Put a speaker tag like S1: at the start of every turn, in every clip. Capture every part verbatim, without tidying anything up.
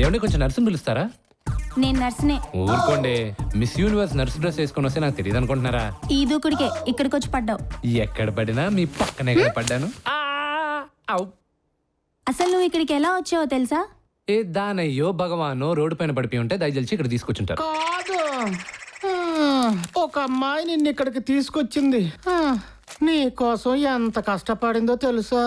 S1: ఏమంటే కొంచెం నర్సుని పిలుస్తారా?
S2: నేను నర్సునే.
S1: ఊరుకోండి, మిస్ యూనివర్స్ నర్సు డ్రెస్ వేసుకొని వస్తే నాకు తెలియదు అనుకుంటున్నారా?
S2: ఈ దూకుడికే ఇక్కడికి వచ్చి పడ్డావు.
S1: ఎక్కడ పడినా మీ పక్కనే కదా పడ్డాను.
S2: అసలు నువ్వు ఇక్కడికి ఎలా వచ్చావో తెలుసా?
S1: ఏ దానయ్యో భగవానో రోడ్డు పైన పడిపోయి ఉంటే దయచేసి ఇక్కడ తీసుకొచ్చుంటారు.
S3: కాదు, ఒక అమ్మాయి నిన్ను ఇక్కడికి తీసుకొచ్చింది. నీ కోసం ఎంత కష్టపడిందో తెలుసా?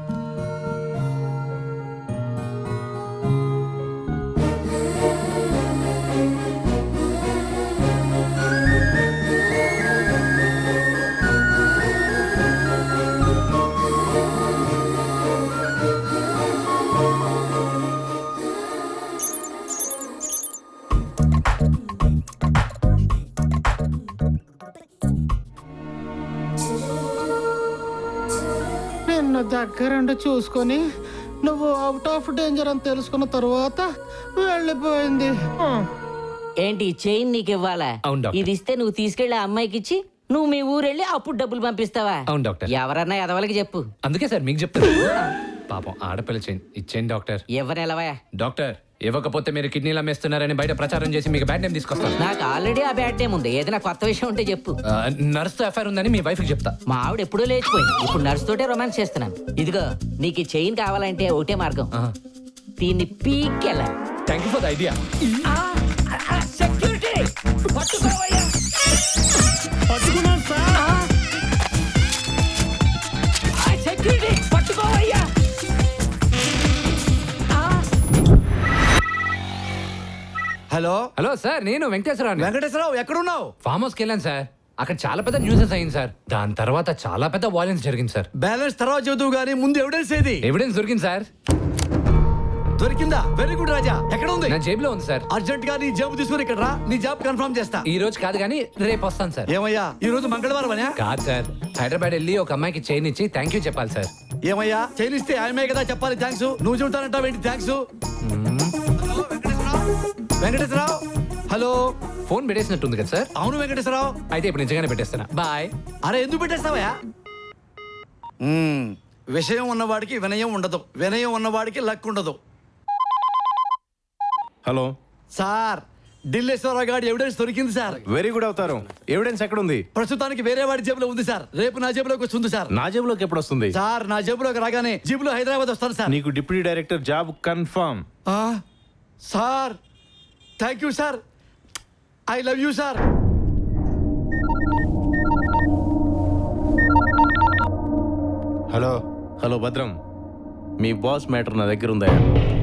S3: నిన్ను దగ్గరుండి చూసుకొని నువ్వు అవుట్ ఆఫ్ డేంజర్ అని తెలుసుకున్న తర్వాత వెళ్ళిపోయింది.
S4: ఏంటి చైన్ నీకు ఇవ్వాలా?
S1: అవును డాక్టర్.
S4: ఇది ఇస్తే నువ్వు తీసుకెళ్లి ఆ అమ్మాయికి ఇచ్చి నువ్వు మీ ఊరెళ్ళి అప్పుడు డబ్బులు పంపిస్తావా?
S1: అవును డాక్టర్.
S4: ఎవరన్నా ఎదవలకి చెప్పు.
S1: అందుకే సార్ మీకు చెప్తాను. పాపం ఆడపిల్ల చేయండి, ఇచ్చేయండి డాక్టర్.
S4: ఎవరెలవా?
S1: డాక్టర్ ఇవ్వకపోతే మీరు కిడ్నీలు అమ్మేస్తున్నారని బయట ప్రచారం చేసి మీకు బ్యాడ్ నేమ్ తీసుకొస్తాను.
S4: నాకు ఆల్రెడీ ఆ బ్యాడ్ టైం ఉంది. ఏదైనా కొత్త విషయం ఉంటే చెప్పు.
S1: నర్స్తో ఎఫ్ఐఆర్ ఉందని మీ వైఫ్కి చెప్తా.
S4: మా ఆవిడ ఎప్పుడూ లేచిపోయింది. ఇప్పుడు నర్స్ తోటే రొమాన్స్ చేస్తున్నాను. ఇదిగో నీకు ఈ చైన్ కావాలంటే ఒకటే మార్గం, దీన్ని పీకెళ్ళ.
S1: Thank you for the idea.
S5: Hello
S1: hello sir, నేను వెంకటేశ్వరరావు.
S5: వెంకటేశ్వరరావు ఎక్కడున్నావు?
S1: ఫామ్ హౌస్కి వెళ్ళాను సార్. అక్కడ చాలా పెద్ద న్యూసెస్ అయింది సార్. దాని తర్వాత చాలా పెద్ద వాయిలెన్స్ జరిగింది సార్.
S5: బ్యాలెన్స్ తర్వాత చదువు గానీ ముందు ఎవిడెన్స్ ఏది?
S1: ఎవిడెన్స్ దొరికింది సార్.
S5: దొరికిందా? Very good Raja. ఎక్కడ ఉంది?
S1: నా జేబులో ఉంది సార్.
S5: అర్జెంట్ గా నీ జాబ్ తీసుకుని ఇక్కడ రా, నీ జాబ్ కన్ఫర్మ్ చేస్తా.
S1: ఈ రోజు కాదు కానీ రేపు వస్తాను సార్.
S5: ఏమయ్యా ఈ రోజు మంగళవారం అనే?
S1: కాదు సార్, హైదరాబాద్ వెళ్ళి ఒక అమ్మాయికి చైన్ ఇచ్చి థ్యాంక్ యూ చెప్పాలి సార్.
S5: ఏమయ్యా చైనిస్తే ఆయమే కదా చెప్పాలి థ్యాంక్స్. నువ్వు చెబుతానంటావు ఏంటి థ్యాంక్స్? వెంకటేశ్వరరావు హలో.
S1: ఫోన్ పెట్టేసినట్టుంది కదా సార్?
S5: అవును వెంకటేశ్వరరావు.
S1: అయితే ఇప్పుడు నిజంగానే పెట్టేస్తానా? బాయ్.
S5: అరే ఎందుకు పెట్టేస్తావయ్యా? విషయం ఉన్నవాడికి వినయం ఉండదు, వినయం ఉన్నవాడికి లక్ ఉండదు.
S6: హలో
S5: సార్, ఢిల్లేశ్వరరావు గారి ఎవిడెన్స్ దొరికింది సార్.
S6: వెరీ గుడ్ అవుతారు. ఎవిడెన్స్ ఎక్కడ ఉంది?
S5: ప్రస్తుతానికి వేరే వాడి జేబులో ఉంది సార్. రేపు నా జేబులోకి వస్తుంది సార్.
S6: నా జేబులోకి ఎప్పుడు వస్తుంది?
S5: సార్ నా జేబులోకి రాగానే జీబులో హైదరాబాద్ వస్తాను సార్.
S6: నీకు డిప్యూటీ డైరెక్టర్ జాబ్ కన్ఫర్మ్.
S5: ఆ, sir thank you sir. I love you sir.
S6: Hello hello భద్రం, మీ బాస్ మ్యాటర్ నా దగ్గర ఉందా?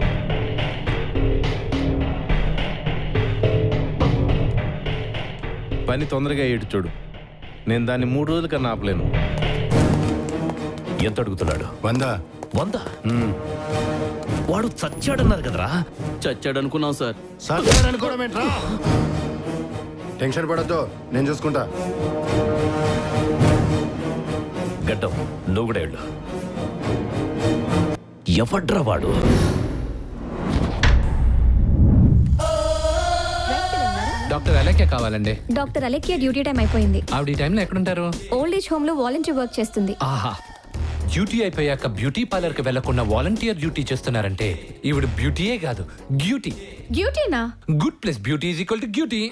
S6: పని తొందరగా ఏడు చూడు. నేను దాన్ని మూడు రోజుల కన్నా ఆపలేను.
S7: ఎంత అడుగుతున్నాడు?
S8: వంద.
S7: వంద? వాడు చచ్చాడన్నారు కదరా?
S9: చచ్చాడు అనుకున్నాం సార్.
S8: అనుకోవడం ఏంట్రా? టెన్షన్ పడద్దు, నేను చూసుకుంటా.
S7: గడ్డం నువ్వు కూడా వెళ్ళు. ఎవడ్రా వాడు?
S1: డాక్టర్ అలేఖ్య కావాలండి.
S10: డాక్టర్ అలేఖ్య డ్యూటీ టైం అయిపోయింది.
S1: ఆవిడ ఈ టైంలో ఎక్కడుంటారు?
S10: ఓల్డ్ ఏజ్ హోమ్ లో వాలంటీర్ వర్క్ చేస్తుంది.
S1: ఆహా, డ్యూటీ అయిపోయాక బ్యూటీ పార్లర్ కి వెళ్లకుండా వాలంటీర్ డ్యూటీ చేస్తున్నారంటే ఈవిడ బ్యూటీయే కాదు, గ్యూటీ.
S10: డ్యూటీనా?
S1: Good plus beauty is equal to గ్యూటీ.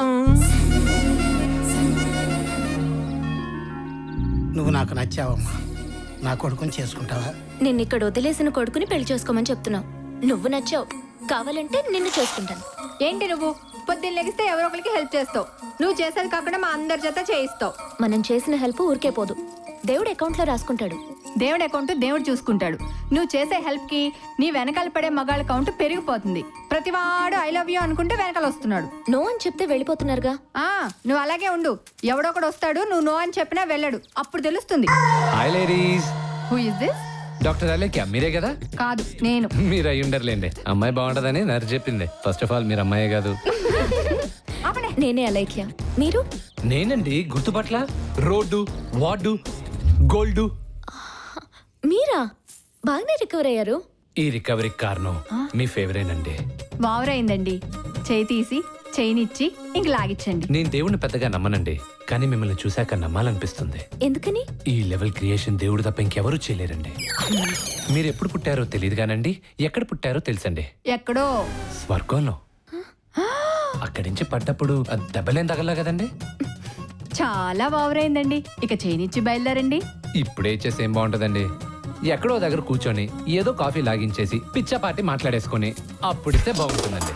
S3: నువ్వు నాకు నచ్చావమ్మా. నా కొడుకుని చేసుకుంటావా?
S10: నిన్ను ఇక్కడ వదిలేసిన కొడుకుని పెళ్లి చేసుకోమని చెప్తున్నావు. నువ్వు నచ్చావు, కావాలంటే నిన్ను చేసుకుంటాను.
S11: ఏంటి నువ్వు పొద్దున్న లెగిస్తే ఎవరో ఒకరికి హెల్ప్ చేస్తావు. నువ్వు చేసేది కాకుండా మా అందరి చేత చేయిస్తావు.
S10: మనం చేసిన హెల్ప్ ఊరికే పోదు, దేవుడు అకౌంట్ లో రాసుకుంటాడు.
S11: దేవుడి అకౌంట్ దేవుడు చూసుకుంటాడు. నువ్వు చేసే హెల్ప్ కి నీ వెనకాల పడే మగాళ్ళ కౌంట్ పెరిగిపోతుంది. ప్రతివాడు ఐ లవ్ యూ అనుకుంటే వెనకాల వస్తున్నాడు.
S10: నో అని చెప్తే వెళ్ళిపోతున్నారుగా.
S11: ఆ నువ్వు అలాగే ఉండు. ఎవడొకడు వస్తాడు, నువ్వు నో అని చెప్పినా వెళ్ళడు. అప్పుడు తెలుస్తుంది.
S1: Hi ladies.
S11: Who is this?
S1: Doctor Alekhya మీరే కదా?
S11: కాదు, నేను.
S1: మీరు అయి ఉండర్లేండి. అమ్మాయి బాగుంటదని నర్సు చెప్పింది. ఫస్ట్ ఆఫ్ ఆల్ మీరు అమ్మాయే కాదు.
S10: నేనే అలేఖ్య. మీరు?
S1: నేనండి, గుర్తుపట్ల. Road, ward, gold.
S10: మీరా? బాగానే రికవర్ అయ్యారు.
S1: ఈ రికవరీ కారణం మీ ఫేవరేట్ అండి.
S11: వావరైందండి. చేయి తీసి చైనిచ్చి ఇంక లాగిచ్చండి.
S1: నేను దేవుణ్ణి పెద్దగా నమ్మనండి, కానీ మిమ్మల్ని చూశాక నమ్మాలనిపిస్తుంది.
S10: ఎందుకని?
S1: ఈ లెవెల్ క్రియేషన్ దేవుడు తప్ప ఇంకెవరూ చేయలేరండి. మీరు ఎప్పుడు పుట్టారో తెలియదు కానండి, ఎక్కడ పుట్టారో తెలుసండి.
S11: ఎక్కడో
S1: స్వర్గంలో. అక్కడి నుంచి పడ్డప్పుడు ఆ దెబ్బలేం తగలా కదండి.
S11: చాలా ఓవరైందండి. ఇక చేనిచ్చి బయలుదేరండి.
S1: ఇప్పుడే చేసి ఏం బాగుంటదండి. ఎక్కడో దగ్గర కూర్చొని ఏదో కాఫీ లాగించేసి పిచ్చపాటి మాట్లాడేసుకొని అప్పుడిస్తే బాగుంటుందండి.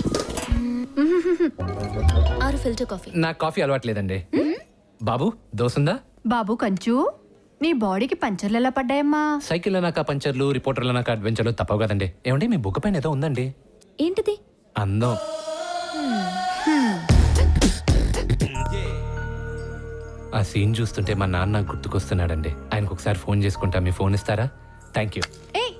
S10: ఆరు ఫిల్టర్ కాఫీ.
S1: నాకు కాఫీ అలవాట్లేదండి. బాబు దోసుందా?
S11: బాబు కంచు, నీ బాడీకి పంచర్లు ఎలా పడ్డాయమ్మా?
S1: సైకిల్ నాక పంచర్లు, రిపోర్టర్ల నాక అడ్వెంచర్లు తప్పవు కదండి. ఏమండి మీ బుక్ పైన ఏదో ఉందండి.
S10: ఏంటిది?
S1: అందం. ఆ సీన్ చూస్తుంటే మా నాన్న నాకు గుర్తుకొస్తున్నాడండి. ఆయనకు ఒకసారి ఫోన్ చేసుకుంటా, మీ ఫోన్ ఇస్తారా? Thank you.
S11: ఏయ్,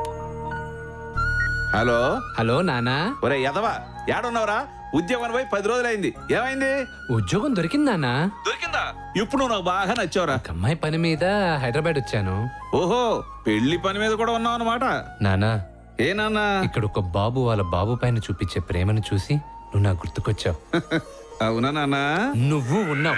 S6: హలో
S1: హలో నానా.
S6: ఒరే యదవా, ఏడున్నావురా? ఉద్యోగం పోయి పది రోజులైంది, ఏమైంది?
S1: ఉద్యోగం దొరికింది నానా.
S6: దొరికిందా? ఇప్పుడు నువ్వు నాకు బాగా నచ్చావురా.
S1: ఒక అమ్మాయి పని మీద హైదరాబాద్ వచ్చాను.
S6: ఓహో, పెళ్లి పని మీద కూడా ఉన్నావు అనమాట.
S1: నానా,
S6: ఏ నాన్నా?
S1: ఇక్కడ ఒక బాబు వాళ్ళ బాబు పైన చూపించే ప్రేమను చూసి నువ్వు నాకు గుర్తుకొచ్చావు.
S6: అవునా నాన్నా?
S1: నువ్వు ఉన్నావు.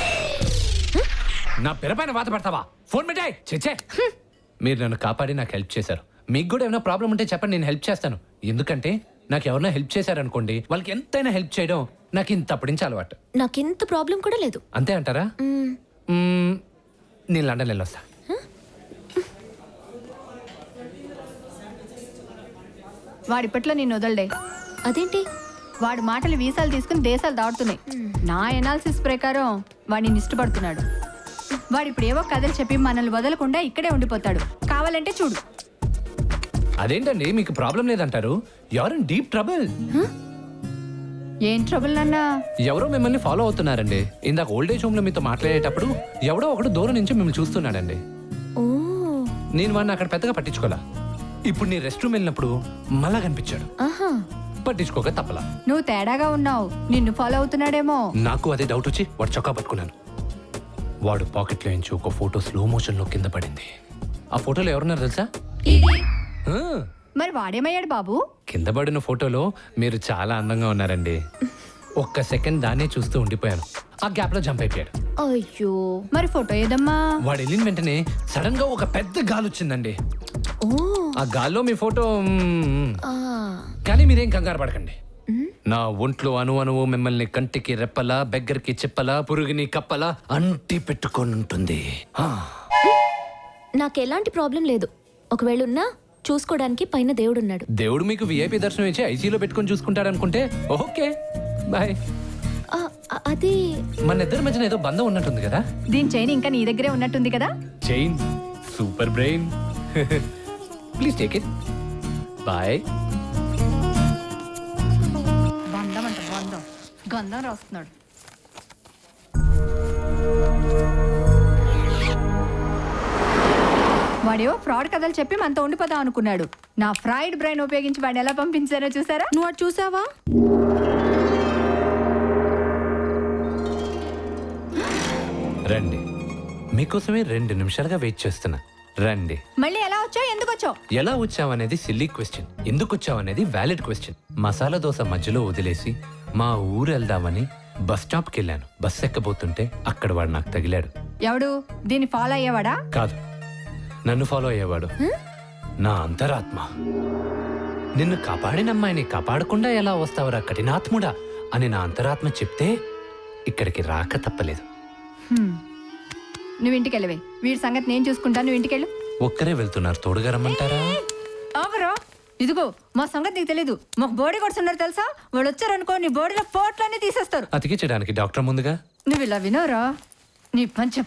S1: నా పెర పైన వాత పడతావా? ఫోన్ పెట్టాయి. చెచ్చే, మీరు నన్ను కాపాడి నాకు హెల్ప్ చేశారు. మీకు కూడా ఏమైనా ప్రాబ్లం ఉంటే చెప్పండి, నేను హెల్ప్ చేస్తాను. ఎందుకంటే నాకు ఎవరైనా హెల్ప్ చేశారనుకోండి, వాళ్ళకి ఎంతైనా హెల్ప్ చేయడం నాకు ఇంత అప్పటి నుంచి అలవాటు.
S10: నాకింత ప్రాబ్లం కూడా లేదు.
S1: అంతే అంటారా?
S10: మ్మ్.
S1: మ్మ్, నేను లండన్ వెళ్ళొస్తా.
S11: వాడిప్పట్లో నేను వదలడే.
S10: అదేంటి?
S11: వాడి మాటలు వీసాలు తీసుకుని దేశాలు దాటుతున్నాయి. నా ఎనాలిసిస్ ప్రకారం వాడిని ఇష్టపడుతున్నాడు. వాడు ఇప్పుడు ఏవో కథలు చెప్పి మనల్ని వదలకుండా ఇక్కడే ఉండిపోతాడు. కావాలంటే చూడు.
S1: అదేంటండి మీకు ప్రాబ్లం లేదంటారు? ఎవరు డీప్ ట్రబుల్.
S11: ఏం ట్రబుల్ నాన్నా?
S1: ఎవరో మిమ్మల్ని ఫాలో అవుతున్నారండి. ఇందాక ఓల్డేజ్ హోమ్ లో మీతో మాట్లాడేటప్పుడు ఎవడో ఒకడు దూరం నుంచి మిమ్మల్ని చూస్తున్నాడండి.
S10: ఓ,
S1: నేను వాడిని అక్కడ పెద్దగా పట్టించుకోలా. ఇప్పుడు నీ రెస్ట్ రూమ్ వెళ్ళినప్పుడు మళ్ళా కనిపించాడు.
S10: ఆహా.
S1: పట్టించుకోక తప్పలా.
S11: నువ్వు తేడాగా ఉన్నావు. నిన్ను ఫాలో అవుతున్నాడేమో.
S1: నాకు అదే డౌట్ వచ్చి వాడు చొక్కా పట్టుకున్నాను. వాడు పాకెట్లో నుంచి ఒక ఫోటో స్లో మోషన్ లో కింద పడింది. ఆ ఫోటోలో ఎవరున్నారు తెలుసా? ఆ,
S11: మరి వాడేమయ్యాడు బాబు?
S1: కింద పడిన ఫోటోలో మీరు చాలా అందంగా ఉన్నారండి. ఒక్క సెకండ్ దాన్నే చూస్తూ ఉండిపోయాను. ఆ గ్యాప్ లో జంప్ అయిపోయాడు.
S10: అయ్యో.
S11: మరి ఫోటో ఏదమ్మా?
S1: వాడు వెళ్ళిన వెంటనే సడన్ గా ఒక పెద్ద గాలి వచ్చిందండి.
S10: ఓ.
S1: ఆ గాల్లో మీ ఫోటో మ్మ్.
S10: ఆ.
S1: కానీ మీరేం కంగారు పడకండి. నా ఒంట్లో అణు అణువు మిమ్మల్ని కంటికి రెప్పలా, బెగ్గరికి చెప్పలా, పురుగుని కప్పలా అంటి పెట్టుకొని ఉంటుంది. ఆ.
S10: నాకు ఎలాంటి ప్రాబ్లం లేదు. ఒకవేళ ఉన్నా చూసుకోవడానికి పైన దేవుడున్నాడు.
S1: దేవుడు మీకు విఐపి దర్శనం ఇచ్చి ఐసీలో పెట్టుకొని చూసుకుంటాడు అనుకుంటే ఓకే బాయ్.
S10: ఆ, అ- అది
S1: మన ఇద్దరి మధ్యన ఏదో బంధం ఉన్నట్టుంది కదా.
S11: దీని చైన్ ఇంకా నీ దగ్గరే ఉన్నట్టుంది కదా.
S1: Chain super brain. Please take it. Bye.
S11: బంధం అంట బంధం. గంధం రాస్తున్నాడు. వాడేవో ఫ్రాడ్ కథలు చెప్పి మనతో ఉండిపోదాం అనుకున్నాడు. నా ఫ్రైడ్ బ్రెయిన్ ఉపయోగించి వాడిని ఎలా పంపించారో చూసారా?
S10: నువ్వు అటు చూసావా?
S1: రండి, మీకోసమే రెండు నిమిషాలుగా వెయిట్ చేస్తున్నా. రండి.
S11: మళ్ళీ ఎలా వచ్చావు? ఎందుకు వచ్చావు?
S1: ఎలా వచ్చావనేది సిల్లీ క్వశ్చన్, ఎందుకు వచ్చావనేది వ్యాలిడ్ క్వశ్చన్. మసాలా దోశ మధ్యలో వదిలేసి మా ఊరు వెళ్దామని బస్ స్టాప్కి వెళ్ళాను. బస్ ఎక్కబోతుంటే అక్కడ వాడు నాకు తగిలాడు.
S11: ఎవడు? దీన్ని ఫాలో అయ్యేవాడా?
S1: కాదు, నన్ను ఫాలో అయ్యేవాడు. నా అంతరాత్మ. నిన్ను కాపాడిన అమ్మాయిని కాపాడకుండా ఎలా వస్తావురా కఠినాత్ముడా అని నా అంతరాత్మ చెప్తే ఇక్కడికి రాక తప్పలేదు.
S11: హ్మ్. నువ్వు ఇంటికి వెళ్ళవే. వీడి సంగతి నేను చూసుకుంటాను. నువ్వు ఇంటికి వెళ్ళు.
S1: ఒక్కరే వెళ్తున్నారు, తోడుగా రమ్మంటారా?
S11: ఆగరా. ఇదిగో మా సంగతి నీకు తెలీదు. మాకు బోడీ కొడుతున్నారు తెలుసా? వాళ్ళు వచ్చారనుకో నీ బోడీలో పోట్లన్నీ తీసేస్తారు.
S1: అతికించడానికి డాక్టర్ ముందుగా.
S11: నువ్వు ఇలా వినోరా? నీ పంచ